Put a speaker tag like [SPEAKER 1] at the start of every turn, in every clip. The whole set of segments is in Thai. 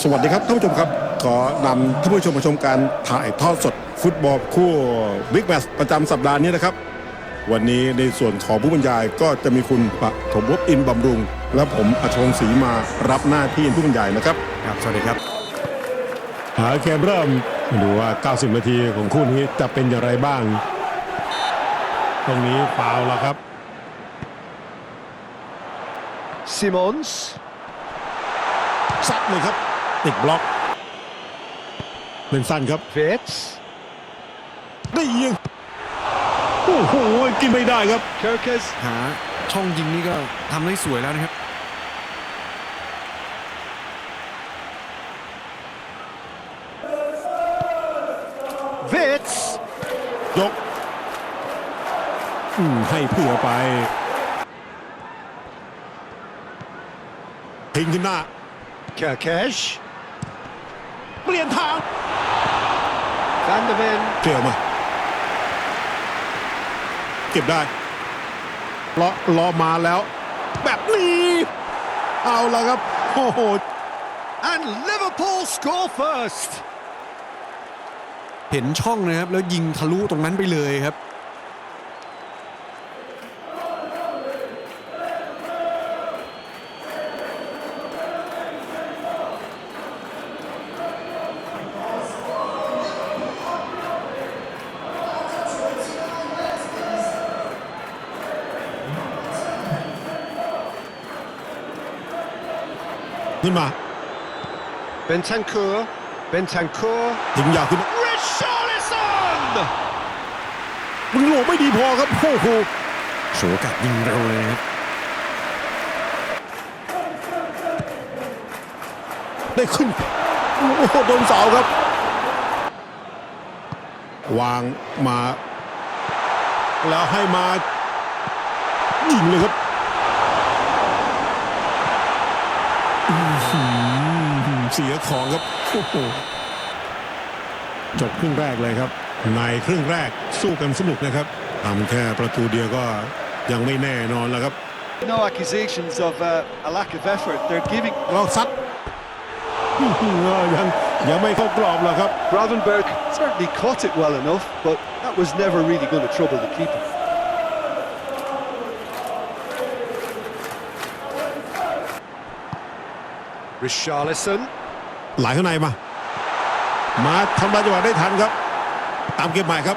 [SPEAKER 1] สวัสดีครับท่านผู้ชมครับขอนำท่านผู้ชมมาชมการถ่ายทอดสดฟุตบอลคู่บิ๊กแมตช์ประจำสัปดาห์นี้นะครับวันนี้ในส่วนของผู้บรรยายก็จะมีคุณปฐมภพอินบำรุงและผมอัชวงศ์ศรีมารับหน้าที่ผู้บรรยายนะครับ
[SPEAKER 2] ครับสวัสดีครับ
[SPEAKER 1] เกมเริ่มดูว่า90นาทีของคู่นี้จะเป็นอย่างไรบ้างตรงนี้ฟาวล์แล้วครับ
[SPEAKER 3] ซิมอนส์
[SPEAKER 1] ซัดเลยครับติดบล็อกเป็นสั้นครับ
[SPEAKER 3] เวตส์
[SPEAKER 1] ได้ยิงโอ้โหกินไม่ได้ครับ
[SPEAKER 3] เคอร์เคส
[SPEAKER 2] หาช่องยิงนี่ก็ทำได้สวยแล้วนะครับ
[SPEAKER 3] เวตส์
[SPEAKER 1] ยกให้เผื่อไปทิ้งขึ้นหน้า
[SPEAKER 3] เคอร์เคช
[SPEAKER 1] เปลี่ยนทาง
[SPEAKER 3] แฟนเดเวน
[SPEAKER 1] เกี่ยวมาเก็บได้ล้อมาแล้วแบบนี้เอาละครับโอ้โห
[SPEAKER 3] and Liverpool score first
[SPEAKER 2] เห็นช่องนะครับแล้วยิงทะลุตรงนั้นไปเลยครับ
[SPEAKER 1] ขึ้นมา
[SPEAKER 3] เบนทันคูร์
[SPEAKER 1] ถึงยาวขึ้น
[SPEAKER 3] ริชาร์ลิสัน
[SPEAKER 1] มึงโหลไม่ดีพอครับโอ้โห
[SPEAKER 2] โฉกัดยิงเร็วเลยครับ
[SPEAKER 1] ได้ขึ้นโอ้โหโดนเสาครับวางมาแล้วให้มายิงเลยครับเสียของครับโอ้โหจบครึ่งแรกเลยครับในครึ่งแรกสู้กันสนุกนะครับทำแค่ประตูเดียวก็ยังไม่แน่นอนแล้วครับ
[SPEAKER 3] No accusations of a lack of effort they're giving
[SPEAKER 1] ลองซัดยังไม่เข้ากรอบหรอกครับ
[SPEAKER 3] Gravenberg certainly caught it well enough but that was never really going to trouble the keeper Richarlison
[SPEAKER 1] ไหลข้างในมาทำลายจังหวะได้ทันครับตามเกมใหม่ครับ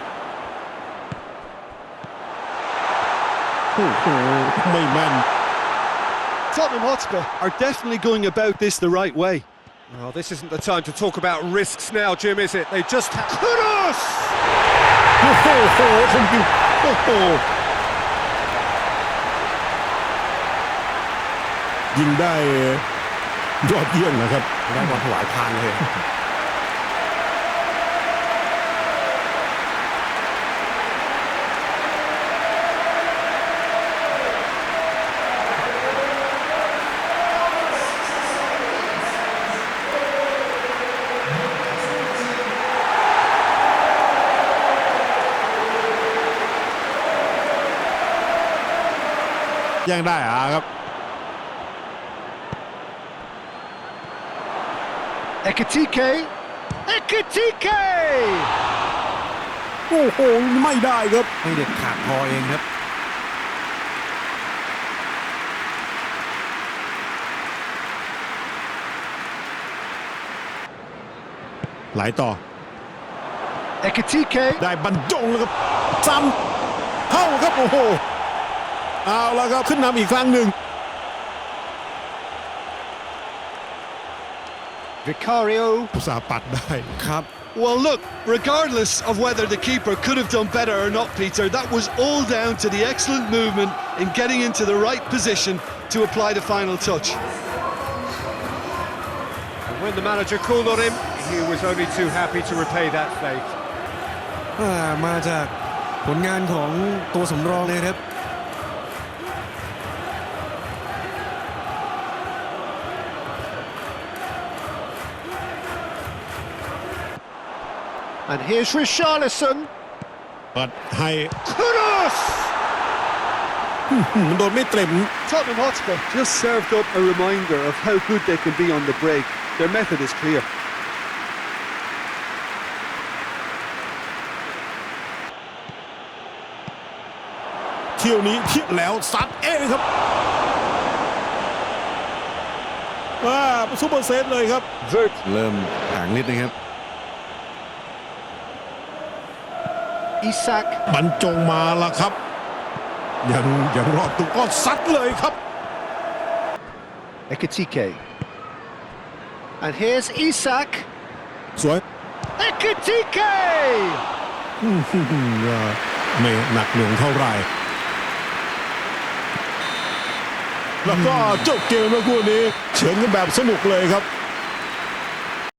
[SPEAKER 1] โอ้โหไม่แม่น
[SPEAKER 3] Tottenham Hotspur are definitely going about this the right way
[SPEAKER 4] Well, this isn't the time to talk about risks now, Jim, is it? They just
[SPEAKER 3] Kudus
[SPEAKER 1] โอ้โหคงจริงโอ้โหยิงได้ยอดเยี่ยมนะครับ
[SPEAKER 2] ได้บอลถวายพานเลย
[SPEAKER 1] ยังได้ครับ
[SPEAKER 3] เอกติเก
[SPEAKER 1] โอ้โหไม่ได้ครับ
[SPEAKER 2] ไม่เด็ดขาดพอเองครับ
[SPEAKER 1] ไหลต่อ
[SPEAKER 3] เอกติเก
[SPEAKER 1] ได้บรรจงแล้วครับซ้ำเข้าครับโอ้โหเอาแล้วครับขึ้นนำอีกครั้งหนึ่ง
[SPEAKER 3] Vicario
[SPEAKER 1] อุตส่าห์ปัดได้
[SPEAKER 2] ครับ
[SPEAKER 3] Well look regardless of whether the keeper could have done better or not Peter that was all down to the excellent movement in getting into the right position to apply the final touch
[SPEAKER 4] And when the manager called on him, he was only too happy to repay that fate
[SPEAKER 2] มาจากผลงานของตัวสำรองเลยครับ
[SPEAKER 3] And here's Richarlison
[SPEAKER 1] เปิดให้
[SPEAKER 3] Kudus
[SPEAKER 1] มันโดนไม่เต็ม
[SPEAKER 3] Tottenham Hotspur just served up a reminder of how good they can be on the break. Their method is clear.
[SPEAKER 1] เที่ยวนี้เที่ยวแล้วซัดเองครับซุปเปอร์เซฟเลยครับ
[SPEAKER 3] Vert
[SPEAKER 2] เริ่มห่างนิดนะครับ
[SPEAKER 3] Isak
[SPEAKER 1] บรรจงมาละครับยังรอดตัวก็ซัดเลยครับ
[SPEAKER 3] Ekitike. And here's Isak.
[SPEAKER 1] สวย
[SPEAKER 3] Ekitike!
[SPEAKER 1] ไม่หนักหน่วงเท่าไหร่แล้วก็จบเกมเมื่อคู่นี้เฉือนกันแบบสนุกเลยครับ